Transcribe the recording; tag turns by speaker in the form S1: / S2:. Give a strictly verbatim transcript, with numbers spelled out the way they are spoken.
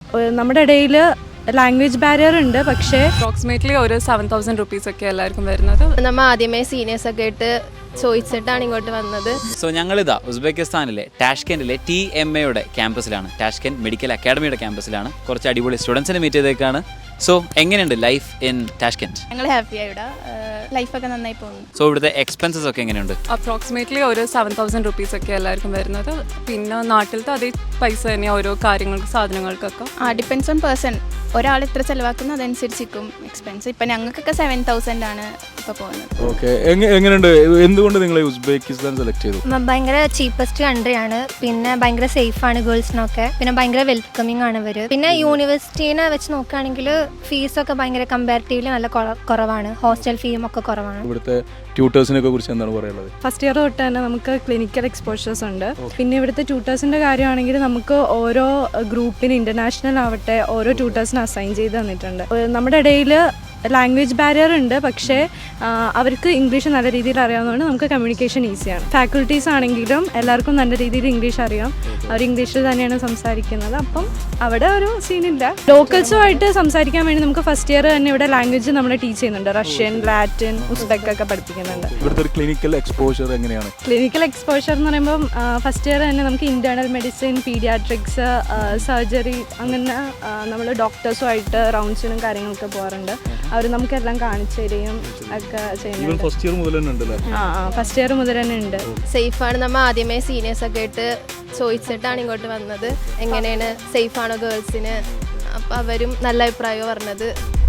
S1: നമ്മുടെ ഇടയിൽ language barrier ഉണ്ട്. പക്ഷേ
S2: അപ്രോക്സിമേറ്റ്ലി ഒരു സെവൻ തൗസൻഡ് റുപ്പീസ് ഒക്കെ എല്ലാവർക്കും വരുന്നത്.
S3: നമ്മൾ ആദ്യമേ സീനിയേഴ്സ് ഒക്കെ ആയിട്ട് ചോദിച്ചിട്ടാണ് ഇങ്ങോട്ട് വന്നത്.
S4: സോ ഞങ്ങളിതാ ഉസ്ബെക്കിസ്ഥാനിലെ ടാഷ്കെൻഡിലെ ടി എം എയുടെ ക്യാമ്പസിലാണ്, ടാഷ്കെൻഡ് മെഡിക്കൽ അക്കാഡമിയുടെ ക്യാമ്പസിലാണ്. കുറച്ച് അടിപൊളി സ്റ്റുഡൻസിനെ മീറ്റ് ചെയ്തേക്കാണ്. സോ എങ്ങനെയുണ്ട് ലൈഫ് ഇൻ ടാഷ്കെൻഡ്?
S5: ഞങ്ങൾ ഹാപ്പിയാണ് ഇവിടെ, ലൈഫൊക്കെ നന്നായി പോകുന്നു.
S4: സോ ഇവിടുത്തെ എക്സ്പെൻസസ് ഒക്കെ എങ്ങനെയുണ്ട്?
S2: അപ്രോക്സിമേറ്റ്ലി ഒരു സെവൻ തൗസൻഡ് റുപ്പീസ് ഒക്കെ എല്ലാവർക്കും വരുന്നത്. പിന്നെ നാട്ടിലത്തെ അതേ പൈസ തന്നെയാണ് ഓരോ കാര്യങ്ങൾക്ക് സാധനങ്ങൾക്കൊക്കെ.
S5: ആ ഡിപ്പെൻസ് ഓൺ പേഴ്സൺ, ഒരാൾ എത്ര ചിലവാക്കുന്നു അതനുസരിച്ചിരിക്കും എക്സ്പെൻസ്. ഇപ്പം ഞങ്ങൾക്കൊക്കെ സെവൻ തൗസൻഡ് ആണ് ഇപ്പോൾ പോകുന്നത്.
S6: ഓക്കെ, എങ്ങനെയുണ്ട്? എന്തുകൊണ്ട് നിങ്ങൾ ഉസ്ബെക്കിസ്ഥാൻ സെലക്ട് ചെയ്തു?
S7: ഭയങ്കര ചീപ്പസ്റ്റ് കൺട്രിയാണ്, പിന്നെ ഭയങ്കര സേഫ് ആണ് ഗേൾസിനൊക്കെ, പിന്നെ ഭയങ്കര വെൽക്കമിങ് ആണ് ഇവർ. പിന്നെ യൂണിവേഴ്സിറ്റീനെ വെച്ച് നോക്കുകയാണെങ്കിൽ ഫീസൊക്കെ ഭയങ്കര കമ്പാരിറ്റീവ്ലി നല്ല കുറവാണ്, ഹോസ്റ്റൽ ഫീയും ഒക്കെ കുറവാണ്.
S6: ഇവിടുത്തെ ട്യൂട്ടേഴ്സിനൊക്കെ കുറിച്ച് എന്താണ് പറയുന്നത്?
S1: ഫസ്റ്റ് ഇയർ തൊട്ട് തന്നെ നമുക്ക് ക്ലിനിക്കൽ എക്സ്പോഷേഴ്സ് ഉണ്ട്. പിന്നെ ഇവിടുത്തെ ട്യൂട്ടേഴ്സിൻ്റെ കാര്യമാണെങ്കിൽ നമുക്ക് ഓരോ ഗ്രൂപ്പിന് ഇൻ്റർനാഷണൽ ആവട്ടെ ഓരോ ട്യൂട്ടേഴ്സിന് അസൈൻ ചെയ്ത് തന്നിട്ടുണ്ട്. നമ്മുടെ ഇടയിൽ ലാംഗ്വേജ് ബാരിയർ ഉണ്ട്, പക്ഷേ അവർക്ക് ഇംഗ്ലീഷ് നല്ല രീതിയിൽ അറിയാവുന്നതുകൊണ്ട് നമുക്ക് കമ്മ്യൂണിക്കേഷൻ ഈസിയാണ്. ഫാക്കൽറ്റീസ് ആണെങ്കിലും എല്ലാവർക്കും നല്ല രീതിയിൽ ഇംഗ്ലീഷ് അറിയാം, അവർ ഇംഗ്ലീഷിൽ തന്നെയാണ് സംസാരിക്കുന്നത്. അപ്പം അവിടെ ഒരു സീനില്ല. ലോക്കൽസുമായിട്ട് സംസാരിക്കാൻ വേണ്ടി നമുക്ക് ഫസ്റ്റ് ഇയർ തന്നെ ഇവിടെ ലാംഗ്വേജ് നമ്മൾ ടീച്ച് ചെയ്യുന്നുണ്ട്. റഷ്യൻ, ലാറ്റിൻ, ഉസ്ബെക്ക് ഒക്കെ പഠിപ്പിക്കുന്നുണ്ട്.
S6: ഇവിടുത്തെ ഒരു ക്ലിനിക്കൽ എക്സ്പോഷർ എങ്ങനെയാണ്?
S1: ക്ലിനിക്കൽ എക്സ്പോഷർ എന്ന് പറയുമ്പം ഫസ്റ്റ് ഇയർ തന്നെ നമുക്ക് ഇന്റേണൽ മെഡിസിൻ, പീഡിയാട്രിക്സ്, സർജറി, അങ്ങനെ നമ്മൾ ഡോക്ടേഴ്സുമായിട്ട് റൗണ്ട്സിനും കാര്യങ്ങളൊക്കെ പോകാറുണ്ട്. അവർ നമുക്കെല്ലാം കാണിച്ചു തരികയും ഒക്കെ ചെയ്യുന്നുണ്ട്.
S6: ഫസ്റ്റ് ഇയർ മുതൽ തന്നെ ഉണ്ടല്ലേ?
S1: ആ ആ ഫസ്റ്റ് ഇയർ മുതൽ തന്നെ ഉണ്ട്.
S3: സേഫാണ്. നമ്മൾ ആദ്യമേ സീനിയേഴ്സ് ഒക്കെ ആയിട്ട് ചോദിച്ചിട്ടാണ് ഇങ്ങോട്ട് വന്നത്, എങ്ങനെയാണ് സേഫാണോ ഗേൾസിന്. അപ്പം അവരും നല്ല അഭിപ്രായം പറഞ്ഞത്.